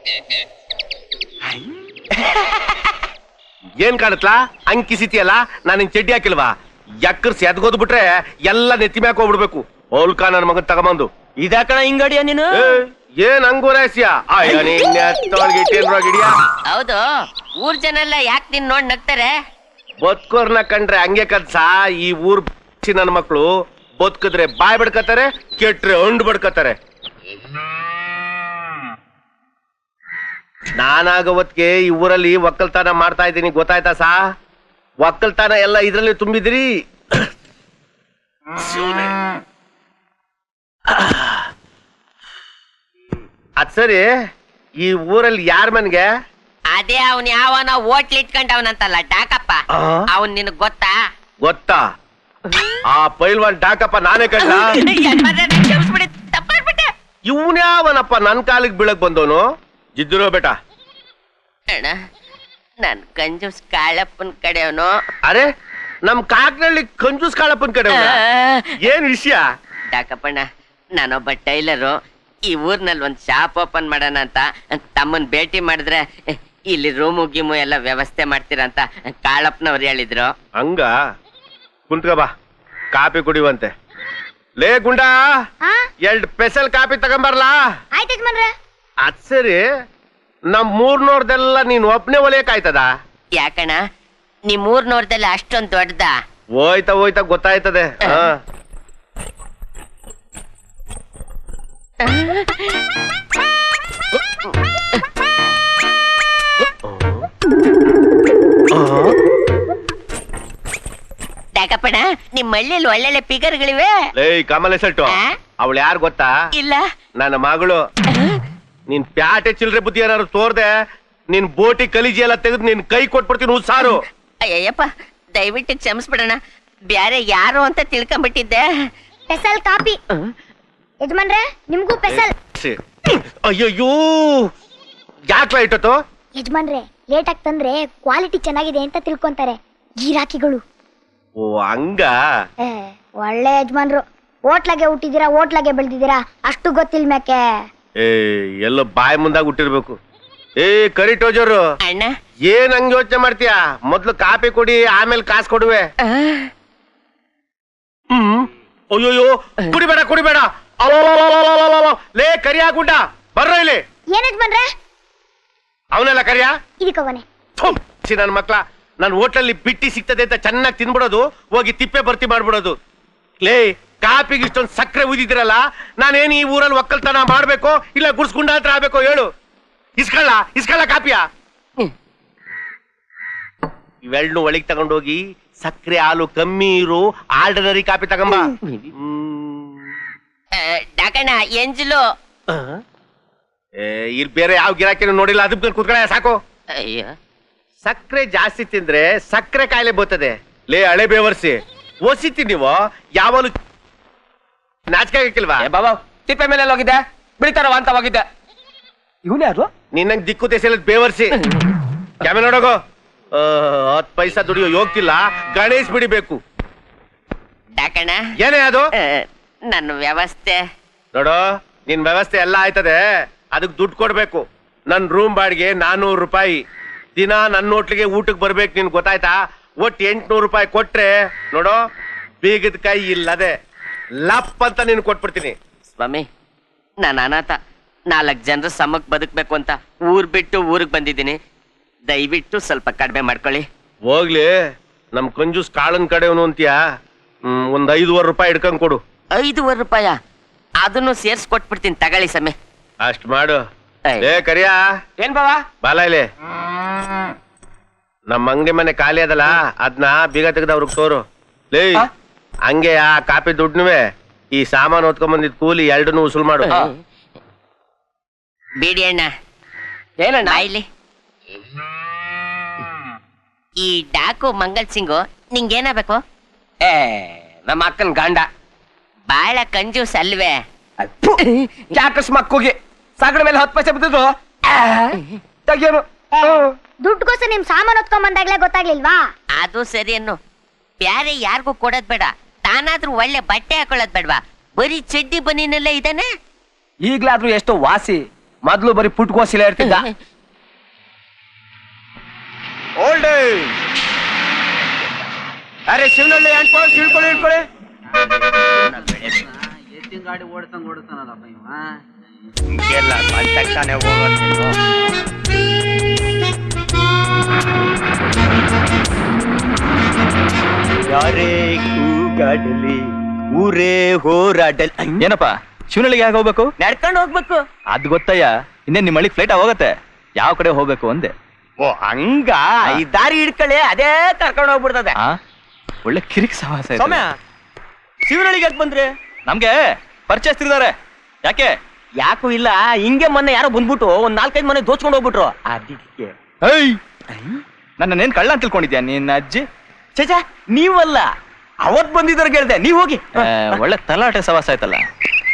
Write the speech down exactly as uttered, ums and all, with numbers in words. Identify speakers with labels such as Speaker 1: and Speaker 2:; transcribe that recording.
Speaker 1: ಏನ್ ಕಾಣತ್ಲಾ ಅಂಕಿಸಿತಿಯಲ್ಲ ನಾನು ಚಡ್ಡಿ ಹಾಕಿಲ್ವಾ ಎಕ್ಕರ್ಸಿ ಎದ್ಗೋದ್ ಬಿಟ್ರೆ ಎಲ್ಲ ನೆತ್ತಿ ಮ್ಯಾಕ್ ಹೋಗ್ಬಿಡ್ಬೇಕು ಹೋಲ್ಕಾ ನನ್ ಮಗನ್ ತಗೊಂಬಂದು
Speaker 2: ಇದಾಕಣ ಹಿಂಗಡಿಯ ನೀನು
Speaker 1: ಏನ್ ಹಂಗೋರಾಸ್ಯ
Speaker 3: ಹೌದು ಊರ್ ಜನ ಎಲ್ಲ ಯಾಕೆ ನಿನ್ ನೋಡ್ ನಗ್ತಾರೆ?
Speaker 1: ಬದುಕೋರ್ನ ಕಂಡ್ರೆ ಹಂಗೆ ಕದ್ಸ ಈ ಊರ್ ನನ್ ಮಕ್ಳು ಬದುಕಿದ್ರೆ ಬಾಯ್ ಬಡ್ಕತಾರೆ, ಕೆಟ್ರೆ ಹಂಡ್ ಬಡ್ಕತಾರೆ. ನಾನಾಗವತ್ಗೆ ಈ ಊರಲ್ಲಿ ಒಕ್ಕಲ್ತನ ಮಾಡ್ತಾ ಇದ್ದೀನಿ, ಗೊತ್ತಾಯ್ತಾ ಸಾ? ಒಕ್ಕಲ್ತನ ಎಲ್ಲ ಇದ್ರಲ್ಲಿ ತುಂಬಿದ್ರಿ. ಅದ್ ಸರಿ, ಈ ಊರಲ್ಲಿ ಯಾರ ಮನ್ಗೆ?
Speaker 3: ಅದೇ ಅವನ್ ಯಾವನ ಹೋಟ್ಲ್ ಇಟ್ಕೊಂಡವನಂತಲ್ಲ ಡಾಕಪ್ಪ, ಅವನ್ ನಿನಗ್ ಗೊತ್ತಾ?
Speaker 1: ಗೊತ್ತಾ? ಆ ಪೈಲ್ವಾನ್ ಡಾಕಪ್ಪ ನಾನೇ ಕಂಡ. ಇವನ್ಯಾವನಪ್ಪ ನನ್ ಕಾಲಿಗೆ ಬೀಳಕ್ ಬಂದವನು? ಜಿದ್ದಿರೋ ಬೇಟ
Speaker 3: ಅಣ್ಣ, ನನ್ ಕಂಜೂಸ್ ಕಾಳಪ್ಪನ್ ಕಡೆಯವನು.
Speaker 1: ಅರೆ, ನಮ್ ಕಾಕ್ನಳ್ಳಿ ಕಂಜೂಸ್ ಕಾಳಪ್ಪನ್ ಕಡೆ ಏನ್ ವಿಷಯ?
Speaker 3: ಡಾಕಪ್ಪಣ್ಣ, ನಾನೊಬ್ಬ ಟೈಲರು. ಈ ಊರ್ನಲ್ಲಿ ಒಂದ್ ಶಾಪ್ ಓಪನ್ ಮಾಡೋಣ ಅಂತ ತಮ್ಮನ್ ಭೇಟಿ ಮಾಡಿದ್ರೆ ಇಲ್ಲಿ ರೂಮು ಗಿಮು ಎಲ್ಲ ವ್ಯವಸ್ಥೆ ಮಾಡ್ತೀರಂತ ಕಾಳಪ್ಪನವ್ರು ಹೇಳಿದ್ರು.
Speaker 1: ಹಂಗ ಕುಂತ್ಕ ಬಾ, ಕಾಪಿ ಕುಡಿವಂತೆ. ಲೇ ಗುಂಡ, ಎರಡ್ ಸ್ಪೆಷಲ್ ಕಾಪಿ ತಗೊಂಬರ್ಲಾ? ಅದ್ ಸರಿ, ನಮ್ ಮೂರ್ನೋರ್ದೆಲ್ಲ ನೀನ್ ಒಬ್ನೇ ಒಲೆಯಕಾಯ್ತದ?
Speaker 3: ಯಾಕಣ್ಣ, ನಿಮ್ ಊರ್ನೋರ್ದೆಲ್ಲ ಅಷ್ಟೊಂದ್ ದೊಡ್ಡದ?
Speaker 1: ಹೋಯ್ತಾ ಹೋಯ್ತಾ ಗೊತ್ತಾಯ್ತದೆ. ಹ
Speaker 3: ಡಾಕಪ್ಪಣ್ಣ, ನಿಮ್ ಹಳ್ಳಿಯಲ್ಲಿ ಒಳ್ಳೊಳ್ಳೆ ಪಿಗರ್ಗಳಿವೆ.
Speaker 1: ಲೇ ಕಮಲೇಶಟ್ಟು, ಅವಳು ಯಾರು ಗೊತ್ತಾ?
Speaker 3: ಇಲ್ಲ.
Speaker 1: ನನ್ನ ಮಗಳು. ನೀನ್ ಪ್ಯಾಟೆ ಚಿಲ್ರೆ ಬುದ್ಧಿ ಏನಾದ್ರು ತೋರ್ದೆ, ನಿನ್ ಬೋಟಿ ಕಲಿಜಿ ಎಲ್ಲ ತೆಗೆದು ನಿನ್ ಕೈ ಕೊಟ್ಬಿಡ್ತೀನಿ ಉಸಾರು.
Speaker 3: ಅಯ್ಯಪ್ಪ, ದಯವಿಟ್ಟು ಕ್ಷಮಿಸ್ಬಿಡೋಣ, ಬ್ಯಾರೆ ಯಾರು ಅಂತ ತಿಳ್ಕೊಂಡ್ಬಿಟ್ಟಿದ್ದೆ.
Speaker 4: ಸ್ಪೆಷಲ್ ಕಾಪಿ ಯಜಮಾನ್ರೆ, ನಿಮ್ಗೂ ಸ್ಪೆಷಲ್.
Speaker 1: ಅಯ್ಯಯ್ಯೋ, ಯಾಕೆ ಇಟ್ಟತ್ತು?
Speaker 4: ಯಜಮಾನ್ರೆ, ಲೇಟ್ ಆಗಿ ತಂದ್ರೆ ಕ್ವಾಲಿಟಿ ಚೆನ್ನಾಗಿದೆ ಅಂತ ತಿಳ್ಕೊಂತಾರೆ ಗಿರಾಕಿಗಳು.
Speaker 1: ಓ ಹಂಗ?
Speaker 4: ಒಳ್ಳೆ ಯಜಮಾನ್ರು. ಹೋಟ್ಲಾಗೆ ಹುಟ್ಟಿದೀರಾ, ಹೋಟ್ಲಾಗೆ ಬೆಳೆದಿದ್ದೀರಾ, ಅಷ್ಟು ಗೊತ್ತಿಲ್ ಮ್ಯಾಕೆ.
Speaker 1: ಏ ಎಲ್ಲೋ ಬಾಯಿ ಮುಂದಾಗ ಹುಟ್ಟಿರ್ಬೇಕು. ಏ ಕರಿಟೋಜರು,
Speaker 3: ಅಣ್ಣ
Speaker 1: ಏನ್ ಹಂಗ ಯೋಚನೆ ಮಾಡ್ತೀಯಾ? ಮೊದ್ಲು ಕಾಪಿ ಕೊಡಿ, ಆಮೇಲೆ ಕಾಸು ಕೊಡುವೆ. ಹ್ಮ್ ಅಯ್ಯೋಯ್ಯೋ, ಕುಡಿಬೇಡ ಕುಡಿಬೇಡ. ಲೇ ಕರಿಯಾ ಗುಡ್ಡ, ಬರ್ರ ಇಲ್ಲಿ.
Speaker 4: ಏನ್ ಯಜಮಾನ್ರೆ?
Speaker 1: ಅವನೆಲ್ಲ ಕರಿಯಾ
Speaker 4: ಇದಕ್ಕವನೆ.
Speaker 1: ನನ್ ಮಕ್ಳ, ನನ್ ಹೋಟ್ಲಲ್ಲಿ ಬಿಟ್ಟಿ ಸಿಗ್ತದೆ ಅಂತ ಚೆನ್ನಾಗಿ ತಿನ್ಬಿಡೋದು, ಹೋಗಿ ತಿಪ್ಪೆ ಬರ್ತಿ ಮಾಡ್ಬಿಡೋದು. ಲೇ, ಕಾಪಿಗೆ ಇಷ್ಟೊಂದು ಸಕ್ಕರೆ ಉದಿದಿರಲ್ಲ, ನಾನೇನು ಈ ಊರಲ್ಲಿ ಒಕ್ಕಲ್ತನ ಮಾಡ್ಬೇಕು ಇಲ್ಲ ಗುಡ್ಸ್ಗುಂಡ ಹತ್ರ ಆಗ್ಬೇಕು ಹೇಳು? ಇಸ್ಕಳ್ಳ ಇಸ್ಕಳ್ಳ ಕಾಪಿಯ ಇವೆರಡನ್ನು ಒಳಗೆ ತಗೊಂಡೋಗಿ ಸಕ್ಕರೆ ಹಾಲು ಕಮ್ಮಿ ಇರು ಆರ್ಡಿನರಿ ಕಾಪಿ ತಗೊಂಬ.
Speaker 3: ಡಾಕಣ್ಣ, ಎಂಜಲು
Speaker 1: ಇಲ್ಲಿ ಬೇರೆ ಯಾವ ಗಿರಾಕಿನೂ ನೋಡಿಲ್ಲ, ಅದಕ್ಕೆ ಕೂತ್ಕೊಳ್ಳ ಸಾಕು.
Speaker 3: ಅಯ್ಯ,
Speaker 1: ಸಕ್ಕರೆ ಜಾಸ್ತಿ ತಿಂದ್ರೆ ಸಕ್ಕರೆ ಕಾಯಿಲೆ ಬರ್ತದೆ. ಲೇ ಹಳೆ ಬೇವರ್ಸಿ, ಓಸಿತಿ ನೀವು ಯಾವಾಗಲೂ ನಾಚಿಕೆ ಹಾಕಿಲ್ವಾ?
Speaker 2: ಬಾಬಾ, ತಿಪ್ಪೆ ಮೇಲೆ ಹೋಗಿದ್ದೆ, ಬಿಡ್ತಾರವ ಅಂತ ಹೋಗಿದ್ದೆ. ಇವನು ಯಾರು?
Speaker 1: ನಿನ್ನಂಗ್ ದಿಕ್ಕು ದೇಶ ಬೇವರ್ಸಿ ಕ್ಯಾಮೆ ನೋಡೋಗೋ. ಹತ್ ಪೈಸಾ ದುಡಿಯೋ ಯೋಗ್ತಿಲ್ಲ, ಗಣೇಶ್ ಬಿಡಿಬೇಕು.
Speaker 3: ಡಾಕಣ್ಣ,
Speaker 1: ಏನೇ ಅದು?
Speaker 3: ನನ್ನ ವ್ಯವಸ್ಥೆ
Speaker 1: ನೋಡೋ, ನಿನ್ ವ್ಯವಸ್ಥೆ ಎಲ್ಲ ಆಯ್ತದೆ, ಅದಕ್ ದುಡ್ಡು ಕೊಡ್ಬೇಕು. ನನ್ ರೂಮ್ ಬಾಡಿಗೆ ನಾನೂರು ರೂಪಾಯಿ, ದಿನ ನನ್ನ ಹೋಟ್ಲಿಗೆ ಊಟಕ್ಕೆ ಬರ್ಬೇಕು. ನಿನ್ ಗೊತ್ತಾಯ್ತಾ? ಒಟ್ಟು ಎಂಟ್ನೂರು ರೂಪಾಯಿ ಕೊಟ್ರೆ ನೋಡೋ, ಬೀಗದ ಕೈ ಇಲ್ಲದೆ ಲಪ್ ಅಂತ ನೀನು ಕೊಟ್ಬಿಡ್ತೀನಿ.
Speaker 3: ಸ್ವಾಮಿ, ನಾನು ಅನಾಥ, ನಾಲ್ಕು ಜನರು ಸಮಕ್ ಬದುಕ್ಬೇಕು ಅಂತ ಊರ್ ಬಿಟ್ಟು ಊರಿಗೆ ಬಂದಿದ್ದೀನಿ. ದಯವಿಟ್ಟು ಸ್ವಲ್ಪ ಕಡಿಮೆ ಮಾಡ್ಕೊಳ್ಳಿ.
Speaker 1: ಹೋಗ್ಲಿ, ನಮ್ ಕಂಜೂಸ್ ಕಾಳನ್ ಕಡೆವನು ಅಂತೀಯಾ? ಹ್ಮ್ ಒಂದ್ ಐದುವರೆ ರೂಪಾಯಿ ಹಿಡ್ಕೊಂಡ್ ಕೊಡು.
Speaker 3: ಐದುವರೆ ರೂಪಾಯ? ಅದನ್ನು ಸೇರ್ಸ್ ಕೊಟ್ಬಿಡ್ತೀನಿ, ತಗೊಳ್ಳಿ ಸಮಯ.
Speaker 1: ಅಷ್ಟ್ ಮಾಡು. ಏ ಕರಿಯಾ,
Speaker 2: ಏನ್ ಬಾವಾ?
Speaker 1: ಬಾಲ ಇಲ್ಲಿ. ನಮ್ ಅಂಗಡಿ ಮನೆ ಖಾಲಿ ಅದಲ್ಲ, ಅದ್ನ ಬೀಗ ತೆಗ್ದ ಅವ್ರಿಗೆ ತೋರು. ಲೇ, ಹಂಗೆ ಆ ಕಾಪಿ ದುಡ್ನುವೆ ಈ ಸಾಮಾನು ಹೊತ್ಕೊಂಡ್ ಬಂದಿದ್ ಕೂಲಿ ಎರಡನ್ನೂ ಉಸುಲ್ ಮಾಡು.
Speaker 3: ಬೇಡಿ ಅಣ್ಣ.
Speaker 2: ಏನಣ್ಣ?
Speaker 3: ಇಲ್ಲಿ ಈ ಡಾಕು ಮಂಗಲ್ ಸಿಂಗು ನಿಂಗೇನಾಗಬೇಕು?
Speaker 2: ಏ, ನಮ್ಮ ಅಕ್ಕನ ಗಂಡ.
Speaker 3: ಬಾಳ ಕಂಜೂಸ್ ಅಲ್ವೇ?
Speaker 2: ಯಾಕಸ್ ಮಕ್ಕುಗೆ ಸಾಗರ ಮೇಲೆ ಹತ್ತು ಪೈಸೆ ಬಿದ್ದಿದ್ರು ತೆಗಿಯೋನು.
Speaker 4: ದುಡ್ಡುಗೋಸ್ಕರ ನಿಮ್ ಸಾಮಾನು ಹೊತ್ಕೊಂಡ್ ಬಂದಾಗ್ಲೇ ಗೊತ್ತಾಗ್ಲಿಲ್ವಾ?
Speaker 3: ಅದು ಸರಿ ಅನ್ನು. ಬ್ಯಾರೆ ಯಾರಿಗೂ ಕೊಡೋದ್ ಬೇಡ, ತಾನಾದ್ರೂ ಒಳ್ಳೆ ಬಟ್ಟೆ ಹಾಕೊಳ್ಳೋದ್ ಬೇಡವಾ? ಬರೀ ಚಡ್ಡಿ ಬನ್ನಿನಲ್ಲೇ ಇದಾನೆ.
Speaker 2: ಈಗ್ಲಾದ್ರೂ ಎಷ್ಟೋ ವಾಸಿ ಮೊದ್ಲು ಬರೀ ಪುಟ್ಕೋಸಿಲ ಇರ್ತಿದ್ದ. ಓಲ್ಡ್ ಅರೆ ಶಿವನಳ್ಳಿ ಅಂಟ್ಕೊಳ್ಳಿ ಇಳ್ಕೊಳ್ಳಿ ಇಳ್ಕೊಳ್ಳಿ.
Speaker 5: ಎತ್ತಿನ ಗಾಡಿ ಓಡಿಸಂಗ್ ಓಡಿಸ್ತಾನಲ್ಲಪ್ಪ ಇವ.
Speaker 2: ಹಿಂಗೆಲ್ಲ ತಕ್ಷಣ ಹೋಗೋದು. ಯಾರೇ ಕೂಗಾಡಲಿ ಊರೇ ಹೋರಾಡಲಿ.
Speaker 6: ಏನಪ್ಪ ಶಿವನಳ್ಳಿಗೆ ಯಾಕೆ ಹೋಗ್ಬೇಕು?
Speaker 2: ನಡ್ಕೊಂಡು ಹೋಗ್ಬೇಕು.
Speaker 6: ಅದ್ ಗೊತ್ತಯ್ಯ, ಇನ್ನೇನ್ ನಿಮ್ಮ ಹಳ್ಳಿಗೆ ಫ್ಲೈಟ್ ಹೋಗತ್ತೆ. ಯಾವ ಕಡೆ ಹೋಗ್ಬೇಕು ಅಂದೆ.
Speaker 2: ಓ ಹಂಗ ಈ ದಾರಿ ಹಿಡ್ಕೊಳ್ಳಿ, ಅದೇ ಕರ್ಕೊಂಡು ಹೋಗ್ಬಿಡ್ತದೆ.
Speaker 6: ಆ ಒಳ್ಳೆ ಕಿರಿಕ್ ಸವಾಸ ಇದೆ.
Speaker 2: ಸೌಮ್ಯ ಶಿವನಳ್ಳಿಗೆ ಯಾಕೆ ಬಂದ್ರೆ?
Speaker 6: ನಮ್ಗೆ ಪರಿಚಯಿಸ್ತಿದ್ದಾರೆ. ಯಾಕೆ?
Speaker 2: ಯಾಕೂ ಇಲ್ಲ, ಹಿಂಗೆ ಮೊನ್ನೆ ಯಾರೋ ಬಂದ್ಬಿಟ್ಟು ಒಂದ್ ನಾಲ್ಕೈದು ಮನೆ ದೋಚ್ಕೊಂಡು ಹೋಗ್ಬಿಟ್ರು. ಅದಕ್ಕೆ
Speaker 6: ಏಯ್ ನನ್ನೇನ್ ಕಳ್ಳ ಅಂತ ತಿಳ್ಕೊಂಡಿದ್ಯಾ ನಿನ್ನ ಅಜ್ಜಿ?
Speaker 2: ಚೇಚಾ ನೀವಲ್ಲ, ಅವತ್ ಬಂದಿದ್ದಾರೆ ಕೇಳ್ದೆ. ನೀವ್ ಹೋಗಿ.
Speaker 6: ಆ, ಒಳ್ಳೆ ತಲಾಟೆ ಸವಾಸ ಆಯ್ತಲ್ಲ.